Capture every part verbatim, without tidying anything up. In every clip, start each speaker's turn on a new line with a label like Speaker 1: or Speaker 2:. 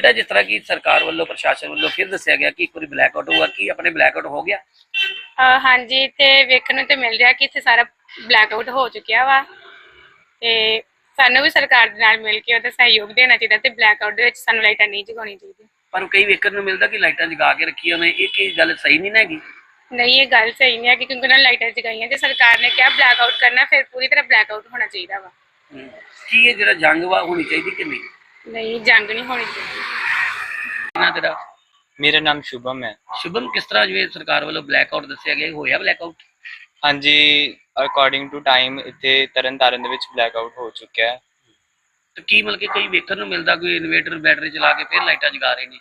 Speaker 1: ਬੇਟਾ ਜਿਸ ਤਰ੍ਹਾਂ ਕਿ ਸਰਕਾਰ ਵੱਲੋਂ ਪ੍ਰਸ਼ਾਸਨ ਵੱਲੋਂ ਫਿਰ ਦੱਸਿਆ ਗਿਆ ਕਿ ਇੱਕ ਵਾਰੀ ਬਲੈਕਆਊਟ ਹੋਊਗਾ, ਕੀ ਆਪਣੇ ਬਲੈਕਆਊਟ ਹੋ ਗਿਆ?
Speaker 2: ਅਹ ਹਾਂਜੀ, ਤੇ ਵੇਖਣ ਨੂੰ ਤੇ ਮਿਲ ਰਿਹਾ ਕਿ ਇੱਥੇ ਸਾਰਾ ਬਲੈਕਆਊਟ ਹੋ ਚੁੱਕਿਆ ਵਾ ਤੇ ਸਾਨੂੰ ਵੀ ਸਰਕਾਰ ਦੇ ਨਾਲ ਮਿਲ ਕੇ ਉਹਦਾ ਸਹਿਯੋਗ ਦੇਣਾ ਚਾਹੀਦਾ ਤੇ ਬਲੈਕਆਊਟ ਦੇ ਵਿੱਚ ਸਾਨੂੰ ਲਾਈਟਾਂ ਨਹੀਂ ਜਗਾਉਣੀ ਚਾਹੀਦੀ।
Speaker 1: ਪਰ ਕਈ ਵੇਖਣ ਨੂੰ ਮਿਲਦਾ ਕਿ ਲਾਈਟਾਂ ਜਗਾ ਕੇ ਰੱਖੀਆਂ ਨੇ, ਇਹ ਕੀ ਗੱਲ ਸਹੀ ਨਹੀਂ ਨਾ ਹੈਗੀ?
Speaker 2: ਨਹੀਂ, ਇਹ ਗੱਲ ਸਹੀ ਨਹੀਂ ਹੈ ਕਿ ਕਿਉਂਕਿ ਉਹਨਾਂ ਨੇ ਲਾਈਟਾਂ ਜਗਾਈਆਂ ਤੇ ਸਰਕਾਰ ਨੇ ਕਿਹਾ ਬਲੈਕਆਊਟ ਕਰਨਾ, ਫਿਰ ਪੂਰੀ ਤਰ੍ਹਾਂ ਬਲੈਕਆਊਟ ਹੋਣਾ ਚਾਹੀਦਾ ਵਾ।
Speaker 1: ਕੀ ਇਹ ਜਿਹੜਾ ਜੰਗ ਵਾ ਹੋਣੀ ਚਾਹੀਦੀ ਕਿ ਨਹੀਂ?
Speaker 2: ਨਹੀਂ, ਜੰਗ ਨਹੀਂ ਹੋਣੀ ਚਾਹੀਦੀ।
Speaker 1: ਨਾ ਤੇਰਾ?
Speaker 3: ਮੇਰਾ ਨਾਮ ਸ਼ੁਭਮ ਹੈ।
Speaker 1: ਸ਼ੁਭਮ, ਕਿਸ ਤਰ੍ਹਾਂ ਜਿਵੇਂ ਸਰਕਾਰ ਵੱਲੋਂ ਬਲੈਕਆਊਟ ਦੱਸਿਆ ਗਿਆ, ਹੋਇਆ ਬਲੈਕਆਊਟ?
Speaker 3: ਹਾਂਜੀ, ਅਕੋਰਡਿੰਗ ਟੂ ਟਾਈਮ ਇੱਥੇ ਤਰਨ ਤਾਰਨ ਦੇ ਵਿੱਚ ਬਲੈਕਆਊਟ ਹੋ ਚੁੱਕਿਆ ਹੈ।
Speaker 1: ਤੇ ਕੀ ਮਤਲਬ ਕਿ ਕਈ ਵੇਖਣ ਨੂੰ ਮਿਲਦਾ ਕੋਈ ਇਨਵੇਟਰ ਬੈਟਰੀ ਚਲਾ ਕੇ ਫਿਰ ਲਾਈਟਾਂ ਜਗਾ ਰਹੇ ਨੇ,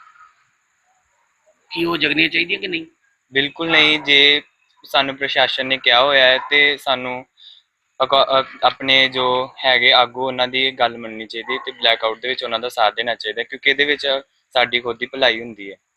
Speaker 1: ਕੀ ਉਹ ਜਗਣੀਆਂ ਚਾਹੀਦੀਆਂ ਕਿ ਨਹੀਂ?
Speaker 3: ਬਿਲਕੁਲ ਨਹੀਂ, ਜੇ ਸਾਨੂੰ ਪ੍ਰਸ਼ਾਸਨ ਨੇ ਕਿਹਾ ਹੋਇਆ ਹੈ ਤੇ ਸਾਨੂੰ ਆਪਣੇ ਜੋ ਹੈਗੇ ਆਗੂ ਉਹਨਾਂ ਦੀ ਗੱਲ ਮੰਨਣੀ ਚਾਹੀਦੀ ਤੇ ਬਲੈਕਆਊਟ ਦੇ ਵਿੱਚ ਉਹਨਾਂ ਦਾ ਸਾਥ ਦੇਣਾ ਚਾਹੀਦਾ, ਕਿਉਂਕਿ ਇਹਦੇ ਵਿੱਚ ਸਾਡੀ ਖੁਦ ਦੀ ਭਲਾਈ ਹੁੰਦੀ ਹੈ।